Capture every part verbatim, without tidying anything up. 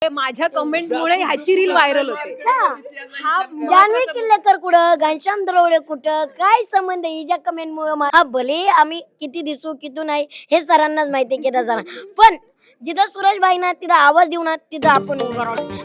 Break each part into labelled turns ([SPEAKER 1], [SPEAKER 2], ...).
[SPEAKER 1] माझ्या कमेंटमुळे ह्याची reel viral होते.
[SPEAKER 2] हा जान्हवी किल्लेकर कुठं, घनश्याम दरोडे कुठं, काय संबंध आहे हिच्या कमेंट मुळे? हा भले आम्ही किती दिसू किती नाही हे सरांनाच माहिती आहे केदार सरांना, पण जिथं सुरेशबाई ना तिथं आवाज देऊ ना तिथं आपण उभं राहू.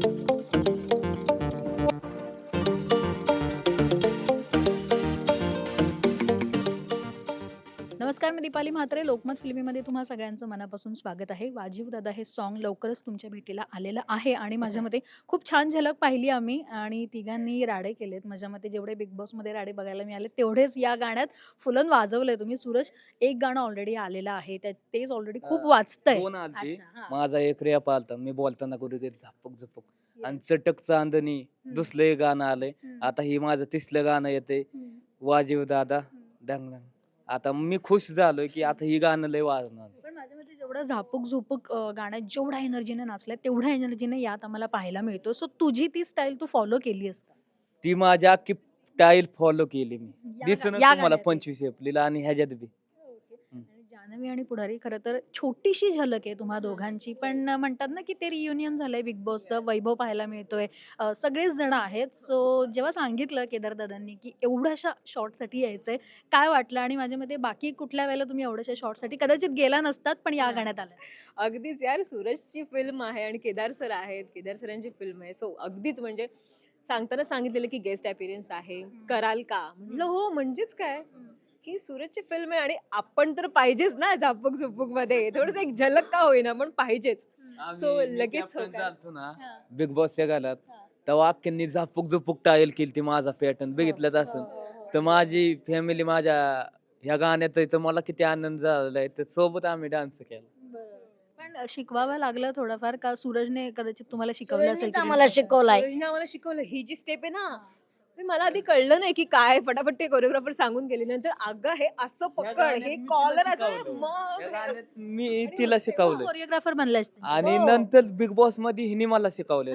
[SPEAKER 3] नमस्कार, मी दीपाली म्हात्रे. लोकमत फिल्मीमध्ये तुम्हा सगळ्यांचं मनापासून स्वागत आहे. वाजीव दादा हे सॉन्ग लवकरच तुमच्या भेटीला आलेलं आहे आणि माझ्या मते खूप छान झलक पाहिली आम्ही आणि तिघांनी राडे केलेत. माझ्या मते जेवढे बिग बॉसमध्ये राडे बघायला मिळाले तेवढेच या गाण्यात फुलून वाजवलंय तुम्ही. सूरज, एक गाणं ऑलरेडी आलेलं आहे, त्या तेच ऑलरेडी खूप वाजतंय.
[SPEAKER 4] दोन आलते.
[SPEAKER 3] आता, हां.
[SPEAKER 4] माझा एक रॅप आलता, मी बोलताना कुठे झापक झपक आणि चटक चांदणी
[SPEAKER 3] हम्म.
[SPEAKER 4] दुसरं एक गाणं आलंय.
[SPEAKER 3] हम्म.
[SPEAKER 4] आता ही माझं तिसरं गाणं येते,
[SPEAKER 3] हम्म.
[SPEAKER 4] वाजीव दादा डंग डंग. आता मी खुश झालोय की आता ही गाणं लय वाजणार.
[SPEAKER 3] पण माझ्या मते जेवढं झापूक झुपूक अ, गाण्यात जेवढ्या एनर्जीने नाचलंय तेवढ्या एनर्जीने यात आम्हाला पाहायला मिळतो. सो तुझी ती स्टाईल तू फॉलो केली आहेस का?
[SPEAKER 4] ती माझी अख्खी स्टाईल फॉलो केली मी.
[SPEAKER 3] या
[SPEAKER 4] दिसणं
[SPEAKER 3] गा- या
[SPEAKER 4] तुम्हाला
[SPEAKER 3] गाण्यात.
[SPEAKER 4] पंचवीस एप्रिल आणि ह्याच्यात बी हम्म.
[SPEAKER 3] आणि जान्हवी आणि पुढारी खरं तर छोटीशी झलक आहे तुम्हा दोघांची, पण म्हणतात ना की ते रियुनियन झालंय बिग बॉसचं, वैभव पाहायला मिळतोय, अ, सगळेच जण आहेत. सो जेव्हा सांगितलं केदार दादांनी की एवढ्याशा शॉर्टसाठी यायचंय, काय वाटलं? आणि माझ्या मते बाकी कुठल्या वेळेला तुम्ही एवढ्याशा शॉर्टसाठी कदाचित गेला नसतात, पण या गाण्यात आला.
[SPEAKER 1] अगदीच यार, सूरजची फिल्म आहे आणि केदार सर आहेत, केदार सरांची फिल्म आहे. सो अगदीच म्हणजे सांगताना सांगितलेलं की गेस्ट अपीअरन्स आहे, कराल का? म्हटलं हो, म्हणजेच काय की सूरजची फिल्म आहे आणि आपण तर पाहिजेच ना झापक झुपूक मध्ये, थोडस एक झलक का होईना पण पाहिजेच. So,
[SPEAKER 4] आम्ही- मी
[SPEAKER 1] लगेच
[SPEAKER 4] captain
[SPEAKER 1] होतं.
[SPEAKER 4] झालतो ना
[SPEAKER 3] हां.
[SPEAKER 4] बिग बॉसच्या घालात,
[SPEAKER 3] हां.
[SPEAKER 4] तेव्हा अख्ख्यांनी झापूक झुपूक टाईल केली ती माझा पॅटर्न बघितलंच
[SPEAKER 3] हो,
[SPEAKER 4] असं.
[SPEAKER 3] हो, हो.
[SPEAKER 4] तर माझी फॅमिली माझ्या ह्या गाण्यात आहे, तर मला किती आनंद झालाय. तर सोबत आम्ही डान्स केला.
[SPEAKER 3] बरोबर. पण शिकवावं लागलं थोडंफार का सूरजने कदाचित तुम्हाला शिकवलं असेल
[SPEAKER 2] सुरेशनीच
[SPEAKER 3] की
[SPEAKER 2] आम्हाला
[SPEAKER 3] reels
[SPEAKER 2] शिकवलाय.
[SPEAKER 1] सूरजने आम्हाला शिकवलं ही जी स्टेप आहे ना,
[SPEAKER 3] हां.
[SPEAKER 1] ते मला आधी कळलं नाही की काय, फटाफट ते कोरिओग्राफर सांगून गेले. नंतर अगं हे असं पकड,
[SPEAKER 4] गाण्यात
[SPEAKER 1] हे
[SPEAKER 4] मी तिला
[SPEAKER 1] कॉलर असं
[SPEAKER 4] शिकवलं.
[SPEAKER 1] मग
[SPEAKER 4] या
[SPEAKER 1] हे-
[SPEAKER 4] गाण्यात मी
[SPEAKER 1] आणि
[SPEAKER 4] तिला
[SPEAKER 1] मग
[SPEAKER 4] शिकवलं
[SPEAKER 3] कोरिओग्राफर बनलायस त्यांची.
[SPEAKER 4] आणि
[SPEAKER 2] हो.
[SPEAKER 4] नंतर बिग बॉस मध्ये हिने मला शिकवलं.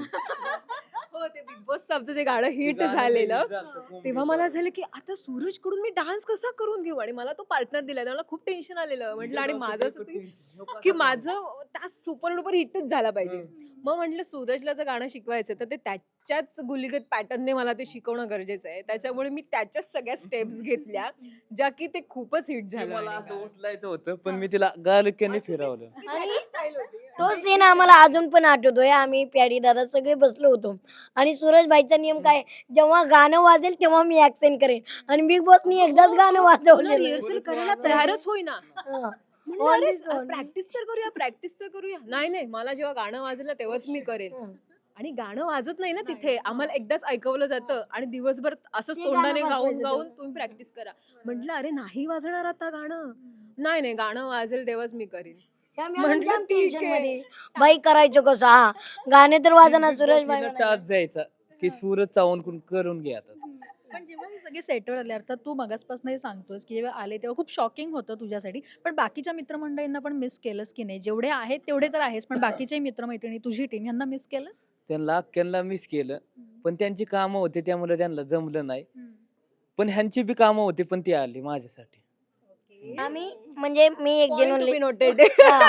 [SPEAKER 1] हो, ते बिग बॉसचं आमचं जे गाणं हिट झालेलं तेव्हा मला झालं की आता सूरज कडून मी डान्स कसा करून घेऊ, आणि मला तो पार्टनर दिला, मला खूप टेन्शन आलेलं. म्हटलं आणि माझं असं ते की माझं त्या सुपर डुपर हिटच झाला पाहिजे. मग म्हटलं सूरजला जर गाणं शिकवायचं तर ते त्याच्याच गुलीगत पॅटर्नने मला ते शिकवणं गरजेचं आहे. त्याच्यामुळे मी त्याच्याच सगळ्या स्टेप्स घेतल्या ज्या की ते खूपच हिट झालं.
[SPEAKER 4] मला
[SPEAKER 1] आणि
[SPEAKER 4] असं उचलायचं होतं, पण मी तिला गालक्याने फिरवलं.
[SPEAKER 1] ती
[SPEAKER 2] आणि
[SPEAKER 1] त्याची style होती.
[SPEAKER 2] तो सीन आम्हाला अजून पण आठवतोय. आम्ही प्यारी दादा सगळे बसलो होतो आणि सूरजबाईचा नियम काय, जेव्हा गाणं वाजेल तेव्हा मी ऍक्सेंट करेन आणि बिग बॉसनी एकदाच गाणं वाजवलेलं.
[SPEAKER 1] रिहर्सल करायला तयारच होईना.
[SPEAKER 2] हा.
[SPEAKER 1] म्हणलं
[SPEAKER 2] On
[SPEAKER 1] अरे
[SPEAKER 2] this one.
[SPEAKER 1] प्रॅक्टिस तर करूया, प्रॅक्टिस तर करूया. नाही नाही, मला जेव्हा गाणं वाजलं तेव्हाच मी करेन.
[SPEAKER 2] हं.
[SPEAKER 1] आणि गाणं वाजत नाही ना
[SPEAKER 3] नाही,
[SPEAKER 1] तिथे,
[SPEAKER 3] हां.
[SPEAKER 1] आम्हाला एकदाच ऐकवलं जातं आणि दिवसभर असंच
[SPEAKER 2] ते
[SPEAKER 1] तोंडाने
[SPEAKER 2] गाणं
[SPEAKER 1] गाऊन
[SPEAKER 2] वाजवायचं
[SPEAKER 1] गाऊन
[SPEAKER 2] तेव्हा.
[SPEAKER 1] तुम्ही प्रॅक्टिस करा. म्हटलं अरे नाही वाजणार आता गाणं. नाही नाही, गाणं वाजेल तेव्हाच मी करेन.
[SPEAKER 2] त्या
[SPEAKER 1] म्हटलं
[SPEAKER 2] मॅडम जाम
[SPEAKER 1] ठीक
[SPEAKER 2] tension
[SPEAKER 1] आहे.
[SPEAKER 2] मध्ये. बाई करायचं कसं? हा गाणे तर वाजना सूरजबाई
[SPEAKER 4] टाच
[SPEAKER 2] म्हणाल्या.
[SPEAKER 4] जायचा की सूरज चावून करून करून घे आता.
[SPEAKER 3] पण जेव्हा हे सगळे सेटल आले, अर्थात तू मगासपासूनही सांगतोस की जेव्हा आले तेव्हा खूप शॉकिंग होतं तुझ्यासाठी, पण बाकीच्या मित्रमंडळींना पण मिस केलंस की नाही? जेवढे आहेत तेवढे तर आहेस, पण बाकीचे मित्रमैत्रिणी, तुझी टीम, यांना मिस केलंस?
[SPEAKER 4] त्यांना अख्ख्यांना मिस केलं, पण त्यांची कामं होते त्यामुळे त्यांना जमलं नाही.
[SPEAKER 3] हम्म.
[SPEAKER 4] पण ह्यांची बी कामं होती, पण ती आली माझ्यासाठी.
[SPEAKER 2] आम्ही म्हणजे मी एक
[SPEAKER 1] Point to
[SPEAKER 2] genuinely
[SPEAKER 1] be noted.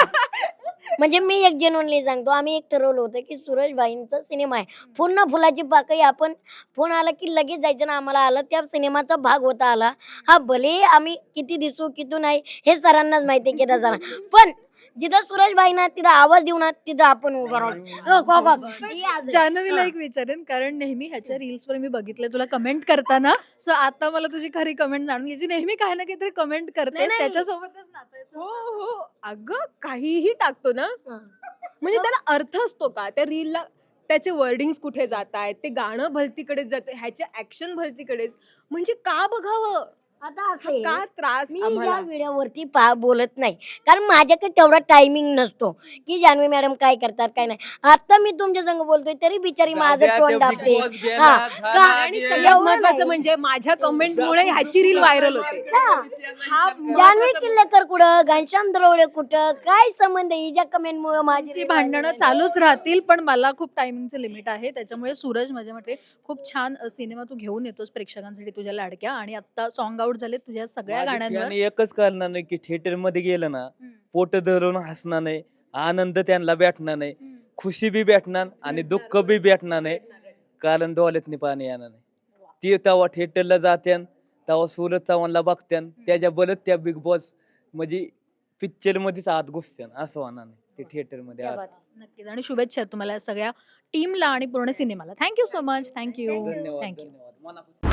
[SPEAKER 2] म्हणजे मी एक जेन्युनली सांगतो, आम्ही एक ठरवलं होतं की सूरजबाईंचा सिनेमा आहे, पूर्ण फुलाची पाकळी. आपण फोन आला की लगेच जायचं ना, आम्हाला आलं त्या सिनेमाचा भाग होता आला. हा भले आम्ही किती दिसू किती नाही हे सरांनाच माहिती आहे केदार सरांना, पण जिथं सूरजबाई ना तिथं आवाज देऊ ना तिथं आपण उभं राहू. हो, हो, हो. ही आज आहे.
[SPEAKER 3] जान्हवीला
[SPEAKER 2] हा.
[SPEAKER 3] एक विचारेन, कारण नेहमी ह्याच्या रील्सवर मी बघितलं तुला कमेंट करताना. सो आता मला तुझी खरी कमेंट जाणून घ्यायची. नेहमी काही ना काहीतरी कमेंट करतेस,
[SPEAKER 2] नाही.
[SPEAKER 3] त्याच्यासोबतच नाचायचं.
[SPEAKER 1] हो हो, अगं काहीही टाकतो ना,
[SPEAKER 2] हा.
[SPEAKER 1] म्हणजे त्याला अर्थ असतो का त्या रीलला? त्याचे वर्डिंग्स कुठे जात आहेत, ते गाणं भलतीकडेच जाते, ह्याच्या ऍक्शन भलतीकडेच. म्हणजे का बघावं?
[SPEAKER 2] आता
[SPEAKER 1] हा
[SPEAKER 2] असं आहे,
[SPEAKER 1] का त्रास
[SPEAKER 2] मी या
[SPEAKER 1] आम्हाला?
[SPEAKER 2] व्हिडिओवरती पा बोलत नाही, कारण माझ्याकडे तेवढा टायमिंग नसतो की जान्हवी मॅडम काय करतात काय नाही. आता मी तुमच्या संग बोलतोय तरी बिचारी माझं तोंड दाबते. हा. का-
[SPEAKER 1] आणि सगळ्यात
[SPEAKER 2] एवढं
[SPEAKER 1] महत्वाचं
[SPEAKER 2] नाही.
[SPEAKER 1] म्हणजे माझ्या कमेंटमुळे ह्याची रील व्हायरल होते.
[SPEAKER 2] हा.
[SPEAKER 1] हा
[SPEAKER 2] जान्हवी किल्लेकर कुठं, घनश्याम दरोडे कुठं, काय संबंध आहे हिच्या कमेंट मुळे माझी
[SPEAKER 3] तुमची
[SPEAKER 2] reel
[SPEAKER 3] भांडणं
[SPEAKER 2] व्हायरल
[SPEAKER 3] चालूच राहतील, पण मला खूप टायमिंगचं लिमिट आहे. त्याच्यामुळे सूरज, माझ्या मते खूप छान अ, सिनेमा तू घेऊन येतोस प्रेक्षकांसाठी तुझ्या लाडक्या, आणि आता सॉन्ग आउट झाले तुझ्या सगळ्या गाण्यांवर.
[SPEAKER 4] आणि एकच करणार नाही की थिएटर मध्ये गेलं ना,
[SPEAKER 3] हम्म.
[SPEAKER 4] पोट धरून हसणार नाही, आनंद त्यांना भेटणार नाही.
[SPEAKER 3] हम्म.
[SPEAKER 4] खुशी बी भेटणार आणि दुःख बी भेटणार नाही, कारण डोळ्यातनी पाणी येणार नाही. ती तेव्हा थिएटरला जात्यान, तेव्हा सूरज चव्हाणला बघत्यान, त्याच्या बलत त्या बिग बॉस म्हणजे पिक्चर मध्येच आत घुसत्यान, असं होणार नाही ते थिएटर मध्ये
[SPEAKER 2] क्या
[SPEAKER 4] आत.
[SPEAKER 2] बात आहे.
[SPEAKER 3] नक्कीच आणि शुभेच्छा तुम्हाला सगळ्या टीमला आणि पूर्ण सिनेमाला. Thank you so much. थँक्यू
[SPEAKER 4] धन्यवाद
[SPEAKER 3] थँक्यू
[SPEAKER 4] धन्यवाद मनापासून.